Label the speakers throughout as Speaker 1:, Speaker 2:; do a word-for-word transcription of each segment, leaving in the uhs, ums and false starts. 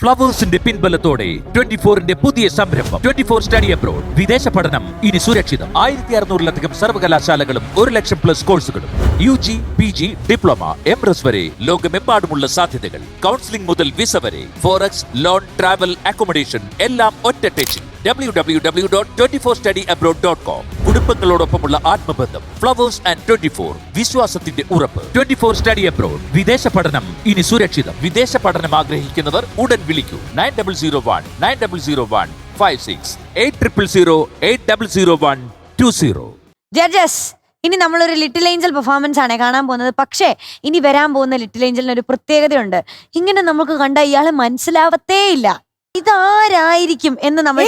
Speaker 1: ഫ്ലവേഴ്സിന്റെ പിൻബലത്തോടെ twenty ഫോറിന്റെ പുതിയ സംരംഭം ട്വന്റി ഫോർ സ്റ്റഡി അബ്രോഡ്. വിദേശ പഠനം ഇനി സുരക്ഷിതം. ആയിരത്തി അറുന്നൂറിലധികം സർവകലാശാലകളും ഒരു ലക്ഷം പ്ലസ് കോഴ്സുകളും U G, P G, diploma, M S വരെ ലോകമെമ്പാടുമുള്ള സാധ്യതകൾ. കൗൺസിലിംഗ് മുതൽ വിസ വരെ, ഫോറക്സ്, ലോൺ, ട്രാവൽ, അക്കോമഡേഷൻ എല്ലാം ഒറ്റ ടെച്ചിൽ. W W W dot twenty four study abroad dot com. കുടുംബങ്ങളോടൊപ്പമുള്ള ആത്മബന്ധം. ഫ്ലവേഴ്സ് ആൻഡ് ട്വന്റി ഫോർ, വിശ്വാസത്തിന്റെ ഉറപ്പ്. Twenty four study abroad. വിദേശ പഠനം ഇനി സുരക്ഷിതം. വിദേശ പഠനം ആഗ്രഹിക്കുന്നവർ ഉടൻ വിളിക്കൂ. Nine double zero one nine double zero one five six eight triple zero eight double zero one two zero.
Speaker 2: Judges, ഇനി നമ്മളൊരു ലിറ്റിൽ ഏഞ്ചൽ പെർഫോമൻസ് ആണ് കാണാൻ പോകുന്നത്. പക്ഷേ ഇനി വരാൻ പോകുന്ന ലിറ്റിൽ ഏഞ്ചലിന് ഒരു പ്രത്യേകതയുണ്ട്. ഇങ്ങനെ നമുക്ക് കണ്ട ഇയാളെ മനസ്സിലാവത്തേ ഇല്ല. ഇതാരായിരിക്കും എന്ന് നമ്മൾ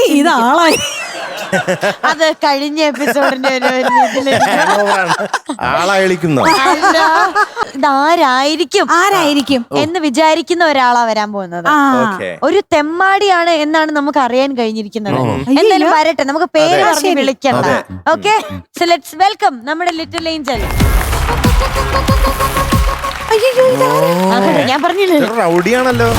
Speaker 2: അത് കഴിഞ്ഞ എപ്പിസോഡിന്റെ ഇതാരായിരിക്കും
Speaker 3: ആരായിരിക്കും
Speaker 2: എന്ന് വിചാരിക്കുന്ന ഒരാളാ വരാൻ പോകുന്നത്. ഒരു തെമ്മാടിയാണ് എന്നാണ് നമുക്ക് അറിയാൻ കഴിഞ്ഞിരിക്കുന്നത്. എന്തായാലും വരട്ടെ, നമുക്ക് പേര് പറഞ്ഞ് വിളിക്കണ്ട. ഓക്കെ, സോ ലെറ്റ്സ് വെൽക്കം നമ്മുടെ ലിറ്റിൽ ഏഞ്ചൽ. ഞാൻ പറഞ്ഞില്ലേ
Speaker 4: റൗഡിയാണല്ലോ.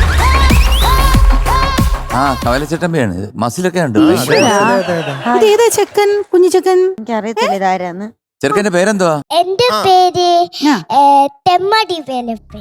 Speaker 5: ആ കവലച്ചട്ടമ്പയാണ്. മസിലൊക്കെ ഉണ്ട്.
Speaker 3: ഇതേതാ ചെക്കൻ, കുഞ്ഞു ചെക്കൻ?
Speaker 2: എനിക്ക് അറിയത്തില്ല ഇതാരാന്ന്.
Speaker 5: ചെറുക്കന്റെ പേരെന്തുവാ?
Speaker 6: എന്റെ പേര് തെമ്മാടി വേലപ്പൻ.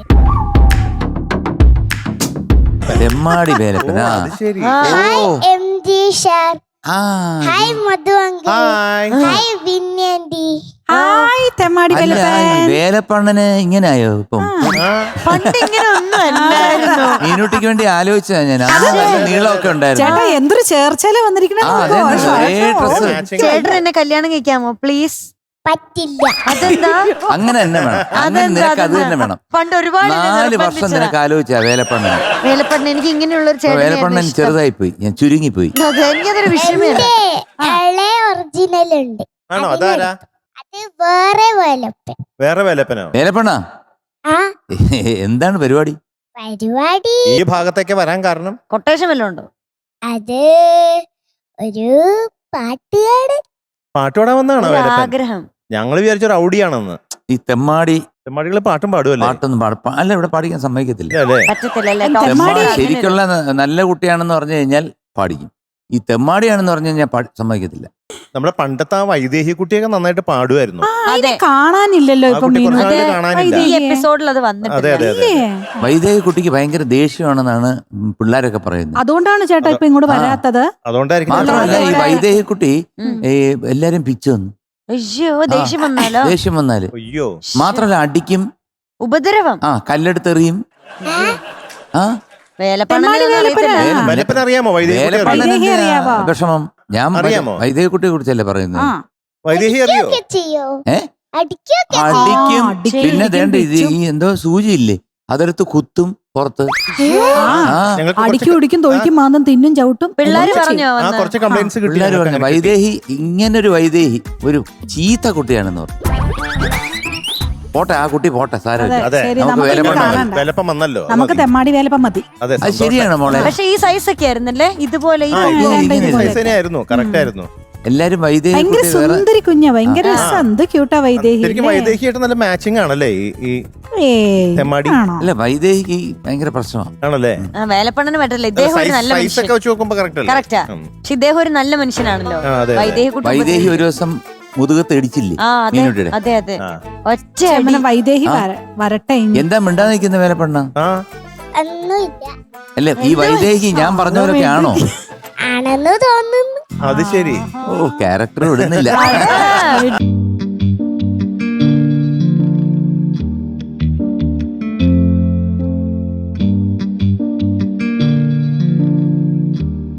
Speaker 5: തെമ്മാടി വേലപ്പനാ.
Speaker 6: Hi M G sir.
Speaker 5: ആ
Speaker 6: ഹായ് മധു അങ്കിൾ. ഹായ് വിന്യാൻഡി.
Speaker 3: ഹായ് തെമ്മാടി വേലപ്പൻ.
Speaker 5: വേലപ്പണ്ണന് ഇങ്ങനായോ ഇപ്പം?
Speaker 2: പണ്ട് ഇങ്ങനെ ഒന്നും അല്ലായിരുന്നു.
Speaker 5: മീനുട്ടിക്ക് വേണ്ടി ആലോചിച്ചാ ഞാൻ. നീളമൊക്കെ ഉണ്ടായിരുന്നു.
Speaker 3: ചേട്ടാ എന്തൊരു ചേർച്ചല വന്നിരിക്കണേ.
Speaker 2: ചേട്ടൻ എന്നെ കല്യാണം കഴിക്കാമോ പ്ലീസ്?
Speaker 6: പറ്റില്ല.
Speaker 2: അതെന്താ?
Speaker 5: അങ്ങനെ തന്നെ വേണം. അങ്ങനെ നിനക്ക് അത് തന്നെ വേണം.
Speaker 2: പണ്ട് ഒരുപാട്
Speaker 5: നാല് വർഷം നിനക്ക് ആലോചിച്ചാ വേലപ്പണ്ണൻ.
Speaker 2: വേലപ്പണ്ണൻ എനിക്ക് ഇങ്ങനെയുള്ള ഒരു ചേട്ടൻ.
Speaker 5: വേലപ്പണ്ണൻ ചെറുതായി പോയി, ഞാൻ ചുരുങ്ങി പോയി.
Speaker 2: എനിക്കതൊരു വിഷയമല്ല.
Speaker 6: ഇളയ ഒറിജിനൽ ഉണ്ട്.
Speaker 4: ആണോ? അതാരാ?
Speaker 6: അത് വേറെ വേലപ്പൻ.
Speaker 4: വേറെ വേലപ്പനോ?
Speaker 5: വേലപ്പണ്ണാ,
Speaker 6: ആ
Speaker 5: എന്താണ് പരിപാടി?
Speaker 6: പരിപാടി
Speaker 4: ഈ ഭാഗത്തേക്ക് വരാൻ കാരണം
Speaker 2: കൊട്ടേഷൻ വല്ലതും ഉണ്ടോ?
Speaker 6: അത് ഒരു പാട്ടുകാരൻ.
Speaker 4: പാട്ടുപാടാൻ വന്നാണോ വേലപ്പൻ?
Speaker 2: ആഗ്രഹം.
Speaker 4: ഞങ്ങള് വിചാരിച്ച റൗഡിയാണെന്ന്.
Speaker 5: ഈ തെമ്മാടി
Speaker 4: തെമ്മാടികള് പാട്ടും പാടുമല്ലേ?
Speaker 5: പാട്ടൊന്നും പാട അല്ല, ഇവിടെ പാടിക്കാൻ സമ്മതിക്കത്തില്ല.
Speaker 2: പറ്റത്തില്ല.
Speaker 5: തെമ്മാടി ശരിക്കുള്ള നല്ല കുട്ടിയാണെന്ന് പറഞ്ഞു കഴിഞ്ഞാൽ പാടിക്കും. ഈ തെമ്മാടിയാണെന്ന് പറഞ്ഞു കഴിഞ്ഞാൽ സമ്മതിക്കത്തില്ല.
Speaker 4: നമ്മുടെ പണ്ടത്തെ ആ വൈദേഹി കുട്ടിയൊക്കെ നന്നായിട്ട് പാടുമായിരുന്നു.
Speaker 2: അതെ,
Speaker 3: കാണാനില്ലല്ലോ ഇപ്പൊ.
Speaker 2: ഈ എപ്പിസോഡിൽ അത് വന്നിട്ടുണ്ട്.
Speaker 5: വൈദേഹി കുട്ടിക്ക് ഭയങ്കര ദേഷ്യമാണെന്നാണ് പിള്ളേരൊക്കെ പറയുന്നത്.
Speaker 3: അതുകൊണ്ടാണ് ചേട്ടാ ഇപ്പൊ ഇങ്ങോട്ട് വരാത്തത്.
Speaker 4: അതുകൊണ്ടായിരിക്കും.
Speaker 5: മാത്രമല്ല ഈ വൈദേഹി കുട്ടി എല്ലാരും പിച്ചു വന്നു.
Speaker 2: അയ്യോ, ദേഷ്യം വന്നാലോ?
Speaker 5: ദേഷ്യം വന്നാല്
Speaker 4: അയ്യോ.
Speaker 5: മാത്രല്ല അടിക്കും,
Speaker 2: ഉപദ്രവം.
Speaker 5: ആ കല്ലെടുത്തെറിയും. ആ
Speaker 4: വേലപ്പൻ അറിയാമോ? വൈദേഹി
Speaker 5: വിഷമം ഞാൻ വൈദേഹി കുട്ടിയെ കുറിച്ചല്ലേ പറയുന്നത്.
Speaker 4: വൈദേഹി അറിയോ?
Speaker 5: ഏ അടിക്കും. പിന്നെ ദേണ്ട ഇത് ഈ എന്തോ സൂചിയില്ലേ, അതെടുത്ത് കുത്തും പുറത്ത്.
Speaker 3: അടിക്കും ഉടിക്കും തൊഴിക്കും മാന്തം തിന്നും ചവിട്ടും.
Speaker 2: പിള്ളേര് പറഞ്ഞോ?
Speaker 4: പിള്ളേര്
Speaker 5: പറഞ്ഞു വൈദേഹി ഇങ്ങനൊരു വൈദേഹി ഒരു ചീത്ത കുട്ടിയാണെന്ന് പറഞ്ഞു. പോട്ടെ, ആ കുട്ടി പോട്ടെ, സാരമില്ല.
Speaker 4: നമുക്ക്
Speaker 3: തെമ്മാടി വേലപ്പം മതി.
Speaker 5: അത് ശരിയാണ് മോളെ.
Speaker 2: പക്ഷെ ഈ സൈസ് ഒക്കെ ആയിരുന്നല്ലേ ഇതുപോലെ.
Speaker 5: എല്ലാരും വൈദേഹി
Speaker 3: ഭയങ്കര സുന്ദരി കുഞ്ഞ, ഭയങ്കര ക്യൂട്ടാ വൈദേഹി.
Speaker 4: വൈദേഹിയായിട്ട് നല്ല മാച്ചിങ് ആണല്ലേ ഈ തെമ്മാടി?
Speaker 5: അല്ല, വൈദേഹിക്ക് ഭയങ്കര പ്രശ്നമാണല്ലേ.
Speaker 2: വേലപ്പണ്ണന് പറ്റില്ല. ഇദ്ദേഹം ഒരു നല്ല മനുഷ്യൻ. കറക്റ്റാ. പക്ഷെ ഇദ്ദേഹം ഒരു നല്ല മനുഷ്യനാണല്ലോ. വൈദേഹി കുട്ടി
Speaker 5: വൈദേഹി ഒരു ദിവസം മുതുകത്ത് ഇടിച്ചില്ലേ മീനുട്ടിയുടെ?
Speaker 2: അതെ അതെ, ഒറ്റ
Speaker 3: വൈദേഹി വരട്ടെ.
Speaker 5: എന്താ മിണ്ടാ നിൽക്കുന്ന വേലപ്പണ്ണ? അല്ല, ഈ വൈദേഹി ഞാൻ പറഞ്ഞവരൊക്കെ ആണോ?
Speaker 6: ആണെന്ന് തോന്നുന്നു.
Speaker 4: അത് ശരി.
Speaker 5: ഓ, ക്യാരക്ടർ വിടുന്നില്ല.